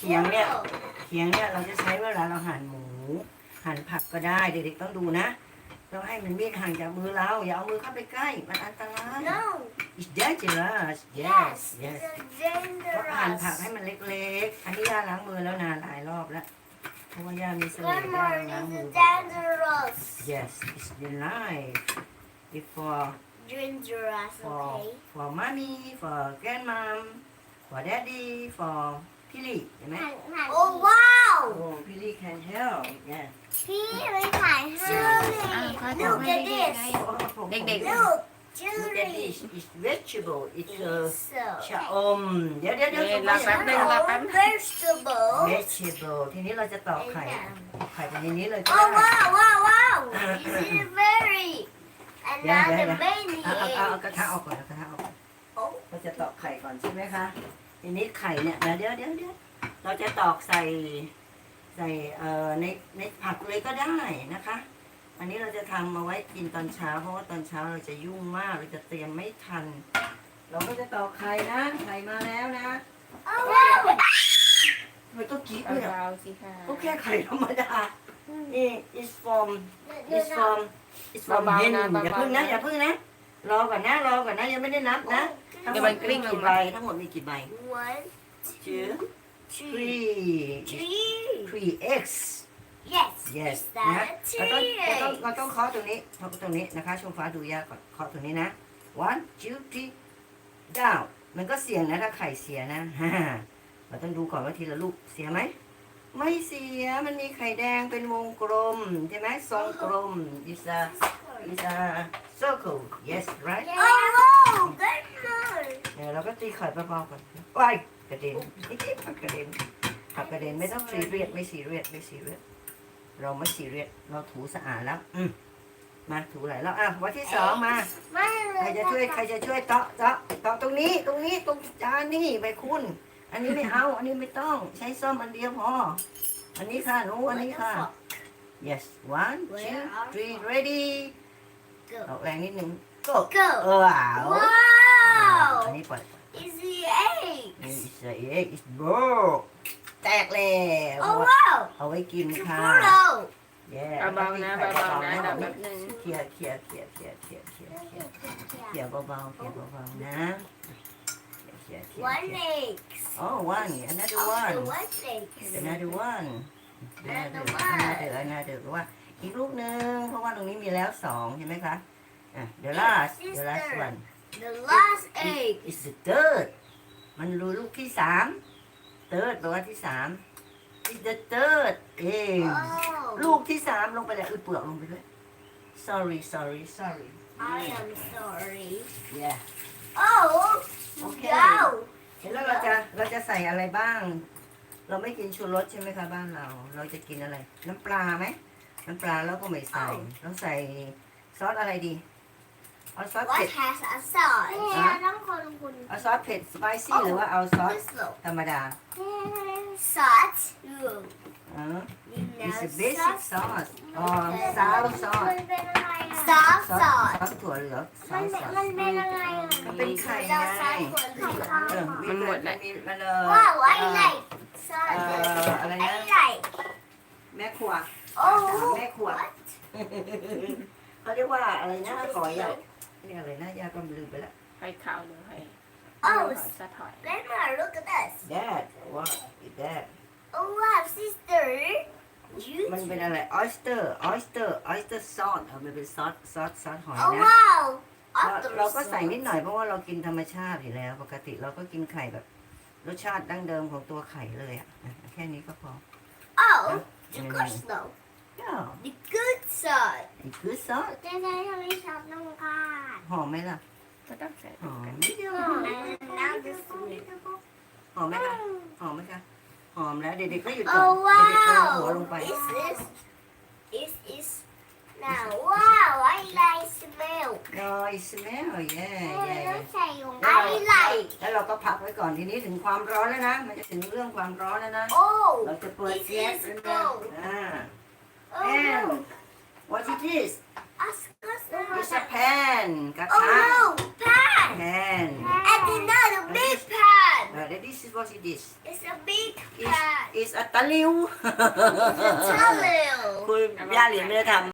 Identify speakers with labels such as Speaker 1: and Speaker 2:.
Speaker 1: ขียงเนี่ยเราจะใช้เวลาเราหั่นหมูหั่นผักก็ได้เด็กๆต้องดูนะต้องให้มันมีดห่างจากมือเราอย่าเอามือเข้าไปใกล้มันอันตราย
Speaker 2: No.
Speaker 1: It's dangerous
Speaker 2: Yes.
Speaker 1: yes
Speaker 2: It's
Speaker 1: ก็หั่นผัก
Speaker 2: dangerous.
Speaker 1: ให้มันเล็กๆอันนี้ย่าล้างมือแล้วนานหลายรอบแล้วเพราะว่าย่ามีเสน่ห์ย่า
Speaker 2: Grandma,
Speaker 1: ล้างมือ
Speaker 2: it's dangerous.
Speaker 1: yes it's your life if
Speaker 2: Dangerous, okay?
Speaker 1: for mommy for grandmom for daddy for พี่ลี่เห็นไหม
Speaker 2: Oh, wow.
Speaker 1: โอ้ พี่ลี่ can help yeah
Speaker 2: พี่ไม่ถ่ายให้ Look at this.
Speaker 3: เด็กๆ
Speaker 2: Look,
Speaker 1: Look at this
Speaker 2: Julie.
Speaker 1: it's vegetable it's
Speaker 2: So,
Speaker 1: ชะอมเดี๋ยว
Speaker 3: เราแป๊บนึง
Speaker 2: vegetable.
Speaker 1: vegetable ทีนี้เราจะตอกไข่ไข่ไปในนี้เลยก็
Speaker 2: Oh,
Speaker 1: ได้
Speaker 2: wow. This is very. Another baby.
Speaker 1: เอากระทะออกก่อนเอากระทะออกก่อน
Speaker 2: Oh.
Speaker 1: เราจะตอกไข่ก่อนใช่ไหมคะทีนี้ไข่เนี่ยเดี๋ยวเราจะตอกใส่ในผักเลยก็ได้นะคะ อันนี้เราจะทำมาไว้กินตอนเช้าเพราะว่าตอนเช้าเราจะยุ่งมากเราจะเตรียมไม่ทัน เราก็จะตอกไข่นะไข่มาแล้วนะ
Speaker 2: Oh, wow.
Speaker 1: ทำไมต้องกรี๊ดด้วยอ่ะ
Speaker 3: เบาๆสิค่ะ
Speaker 1: ก็แค่ไข่ธรรมดานี่ is from
Speaker 3: เบาๆ
Speaker 1: hen
Speaker 3: นะเบาๆ
Speaker 1: อย่าพึ่งนะรอก่อนนะยังไม่ได้นับนะ
Speaker 3: เดี๋ยวมันกลิ้งลง
Speaker 1: กี่
Speaker 3: มา
Speaker 1: ใบทั้งหมดมีกี่ใบ
Speaker 2: One,
Speaker 1: two
Speaker 2: two,
Speaker 1: three
Speaker 2: three.
Speaker 1: eggs
Speaker 2: Yes.
Speaker 1: yes
Speaker 2: Is
Speaker 1: นะ
Speaker 2: that
Speaker 1: เราต้อง
Speaker 2: three?
Speaker 1: เคาะตรงนี้นะคะชมฟ้าดูยากก่อนเคาะตรงนี้นะ one two three down มันก็เสี่ยงนะถ้าไข่เสียนะ เราต้องดูก่อนว่าทีละลูกเสียไหมไม่เสียมันมีไข่แดงเป็นวงกลมใช่ไหมทรงกลม is a circle yes right
Speaker 2: Oh, wow. Good one.
Speaker 1: เราก็ตีไข่เบาๆก่อนว้ายกระเด็นผักกระเด็นไม่ต้องซีเรียสไม่ซีเรียสเราไม่ซีเรียสเราถูสะอาดแล้วมาถูหลายแล้ววันที่สองมา ใครจะช่วยเตาะตรงนี้ตรงจานนี่ใบคุณ อันนี้ไม่เอาอันนี้ไม่ต้องใช้ส้อมอันเดียวพออันนี้ค่ะหนูอันนี้ค่ะ yes one two three ready ออกแรงนิดนึง go
Speaker 2: Go.
Speaker 1: ว้าว
Speaker 2: Wow.
Speaker 1: อันนี้ปล่อย
Speaker 2: It's the egg.
Speaker 1: it's a egg it's broke แตกแล้ว
Speaker 2: Oh, wow.
Speaker 1: เอาไว้กินค่ะ
Speaker 2: Churro.
Speaker 1: yeah
Speaker 3: เบาๆนะเบาๆนะเดี๋ยวแป๊บนึง
Speaker 1: เขี่ยเบาๆนะเขี่ย
Speaker 2: One egg.
Speaker 1: Oh, one. Another
Speaker 2: Oh,
Speaker 1: one.
Speaker 2: one egg.
Speaker 1: Another one.
Speaker 2: Another
Speaker 1: Another ว่าอีกลูกหนึ่งเพราะว่าตรงนี้มีแล้วสองใช่ไหมคะthe last one
Speaker 2: The last egg.
Speaker 1: is the third มันรู้ลูกที่สาม third แปลว่าที่สาม is the third ลู
Speaker 2: Oh.
Speaker 1: กที่สามลงไปเลยเปลือกลงไปด้วย sorry
Speaker 2: I am sorry.
Speaker 1: yeah
Speaker 2: Oh.
Speaker 1: Okay.
Speaker 2: No.
Speaker 1: แล้วเราจะใส่อะไรบ้าง เราไม่กินชูรสใช่ไหมคะบ้านเราจะกินอะไร น้ำปลาไหมน้ำปลาเราก็ไม่ใส่เราใส่ซอสอะไรดีเอาซอส
Speaker 2: What
Speaker 1: เผ็ด
Speaker 2: has a sauce?
Speaker 1: เอาซอสเผ็ดสไปซี่หรือว่าเอาซอส
Speaker 2: This look.
Speaker 1: ธรรมดา
Speaker 2: Salt. Look.
Speaker 1: อ๋อ
Speaker 2: You
Speaker 1: it's a
Speaker 2: know
Speaker 1: basic
Speaker 2: salt.
Speaker 1: sauce อ๋อซาวซอส
Speaker 2: Soft
Speaker 1: ซอ
Speaker 2: sauce.
Speaker 1: สถั่วเหลืองซอสซอส
Speaker 2: มันเป็นอะไร
Speaker 1: มันเป็นไข่ไง
Speaker 3: มันหมดแล้ว
Speaker 1: มัน
Speaker 2: Wow, I like salt.
Speaker 1: อะไร
Speaker 2: I
Speaker 1: นะ
Speaker 2: like.
Speaker 1: แม่ครัว
Speaker 2: Oh.
Speaker 1: แม่ครัว
Speaker 2: What?
Speaker 1: เขาเรียกว่าอะไรนะขอใหญ่เรียกอะไรนะยาก็ลืมไปแล้ว
Speaker 3: ไข่ขาวหรือไข่
Speaker 2: Oh,
Speaker 3: สะถอย
Speaker 2: Grandma, look at this.
Speaker 1: Dad what is that
Speaker 2: Oh, wow, sister.
Speaker 1: มันเป็นอะไร oyster sauce มันเป็นซอสหอย
Speaker 2: Oh,
Speaker 1: นะ
Speaker 2: wow.
Speaker 1: เราก็ใส่นิดหน่อยเพราะว่าเรากินธรรมชาติอยู่แล้ว ปกติเราก็กินไข่แบบรสชาติดั้งเดิมของตัวไข่เลยอ่ะแค่นี้ก็พอ
Speaker 2: Oh, the good snow.
Speaker 1: yeah
Speaker 2: The good side.
Speaker 1: it's good sauce
Speaker 2: จะใช้ทำให้ชอบน้องกาด
Speaker 1: หอมไหมล่ะ
Speaker 3: ก็ต้องใส่
Speaker 1: หอม
Speaker 2: Now this one.
Speaker 1: หอมไหมคะหอมไหมคะหอมแล้วเด็กๆก็หยุดก่อน
Speaker 2: Oh,
Speaker 1: เด็กๆเอาหัว
Speaker 2: wow.
Speaker 1: ลงไป
Speaker 2: Is now. Wow, I like smell.
Speaker 1: no it smell yeah
Speaker 2: ใส่ลง I like.
Speaker 1: แล้วเราก็พักไว้ก่อนทีนี้ถึงความร้อนแล้วนะ มันจะถึงเรื่องความร้อนแล้วนะ
Speaker 2: Oh,
Speaker 1: เราจะเปิด
Speaker 2: this
Speaker 1: แก๊ส
Speaker 2: is
Speaker 1: แล้วนะ
Speaker 2: gold.
Speaker 1: and
Speaker 2: Oh no.
Speaker 1: what it is
Speaker 2: Ask us.
Speaker 1: it's a pan กระ
Speaker 2: Oh
Speaker 1: ทะ
Speaker 2: no, pan.
Speaker 1: pan
Speaker 2: And another big pan.
Speaker 1: this is what it is
Speaker 2: It's a big
Speaker 1: It's
Speaker 2: pan.
Speaker 1: is a ตะลิว
Speaker 2: เช่าเร็ว
Speaker 1: คุณย่าเหรียญไม่ได้ทำ